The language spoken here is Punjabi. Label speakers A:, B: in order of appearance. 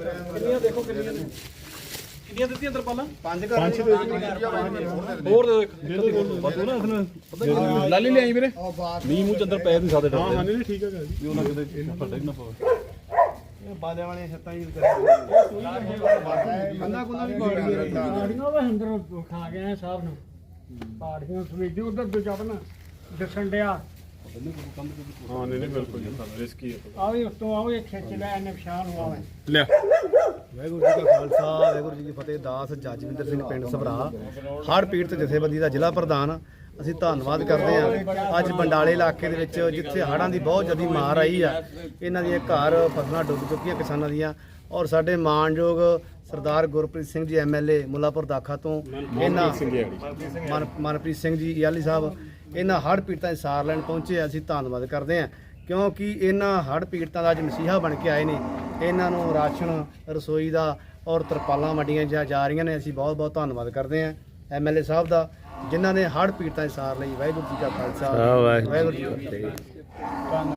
A: ਕਿੰਨੀਆਂ ਦੇਖੋ ਕਿੰਨੀਆਂ ਨੇ ਕਿੰਨੀਆਂ ਦਿੱਤੀਆਂ ਤਰਪਾਲਾਂ? 5 ਘਰ ਹੋਰ ਦੇ ਦੋ ਬਤੂ ਨਾ ਇਸਨੇ ਲਾਲੀ ਲਿਆਈ ਵੀਰੇ ਮੀਂਹ ਮੂੰਹ ਚ ਅੰਦਰ ਪੈ ਨਹੀਂ ਸਕਦੇ ਡਰਦੇ ਹਾਂ ਨਹੀਂ ਠੀਕ ਹੈ ਜੀ ਵੀ ਉਹਨਾਂ ਕਿਤੇ ਫੱਟੇ ਨਾ ਪਵੇ ਇਹ ਬਾਲਿਆਂ ਵਾਲੀਆਂ ਛੱਤਾਂ ਹੀ ਕੰਨਾ ਕੁੰਨਾ ਵੀ
B: ਪਾੜੀਆਂ ਵਾ ਅੰਦਰ ਖਾ ਗਏ ਸਾਹਿਬ ਨੂੰ ਪਾੜੀਆਂ ਸਵੇਜੇ ਉਧਰ ਤੋਂ ਚੱਪਣਾ ਦਿਸਣ ਡਿਆ
A: ਹਾਂ ਨਹੀਂ ਬਿਲਕੁਲ ਰਿਸਕੀ ਹੈ
B: ਆਵੇ ਉਸ ਤੋਂ ਆਵੇ ਖਿੱਚ ਲੈ ਇਹਨੇ ਪਛਾਣ ਆਵੇ
A: ਲੈ
C: ਵਾਹਿਗੁਰੂ ਜੀ ਕਾ ਖਾਲਸਾ ਵਾਹਿਗੁਰੂ ਜੀ ਕੀ ਫਤਿਹ। ਦਾਸ ਜਜਵਿੰਦਰ ਸਿੰਘ ਪਿੰਡ ਸਭਰਾ ਹੜ੍ਹ ਪੀੜਤ ਜਥੇਬੰਦੀ ਦਾ ਜ਼ਿਲ੍ਹਾ ਪ੍ਰਧਾਨ। ਅਸੀਂ ਧੰਨਵਾਦ ਕਰਦੇ ਹਾਂ ਅੱਜ ਬੰਡਾਲੇ ਇਲਾਕੇ ਦੇ ਵਿੱਚ ਜਿੱਥੇ ਹੜ੍ਹਾਂ ਦੀ ਬਹੁਤ ਜ਼ਿਆਦਾ ਮਾਰ ਆਈ ਆ, ਇਹਨਾਂ ਦੀਆਂ ਘਰ ਫਸਲਾਂ ਡੁੱਬ ਚੁੱਕੀਆਂ ਕਿਸਾਨਾਂ ਦੀਆਂ, ਔਰ ਸਾਡੇ ਮਾਣਯੋਗ ਸਰਦਾਰ ਗੁਰਪ੍ਰੀਤ ਸਿੰਘ ਜੀ MLA ਮੁੱਲਾਪੁਰ ਦਾਖਾ ਤੋਂ ਇਹਨਾਂ ਮਨਪ੍ਰੀਤ ਸਿੰਘ ਜੀ ਯਾਲੀ ਸਾਹਿਬ ਇਹਨਾਂ ਹੜ੍ਹ ਪੀੜਤਾਂ ਦੀ ਸਾਰ ਲੈਣ ਪਹੁੰਚੇ। ਅਸੀਂ ਧੰਨਵਾਦ ਕਰਦੇ ਹਾਂ ਕਿਉਂਕਿ ਇਹਨਾਂ ਹੜ੍ਹ ਪੀੜਤਾਂ ਦਾ ਅੱਜ ਮਸੀਹਾ ਬਣ ਕੇ ਆਏ ਨੇ। ਇਹਨਾਂ ਨੂੰ ਰਾਸ਼ਨ ਰਸੋਈ ਦਾ ਔਰ ਤਰਪਾਲਾਂ ਵੰਡੀਆਂ ਜਾ ਰਹੀਆਂ ਨੇ। ਅਸੀਂ ਬਹੁਤ ਬਹੁਤ ਧੰਨਵਾਦ ਕਰਦੇ ਹਾਂ MLA ਸਾਹਿਬ ਦਾ ਜਿਨ੍ਹਾਂ ਨੇ ਹੜ੍ਹ ਪੀੜਤਾਂ ਦੀ ਸਾਰ ਲਈ। ਵਾਹਿਗੁਰੂ ਜੀ ਕਾ ਖਾਲਸਾ ਵਾਹਿਗੁਰੂ ਜੀ ਕੀ ਫਤਿਹ।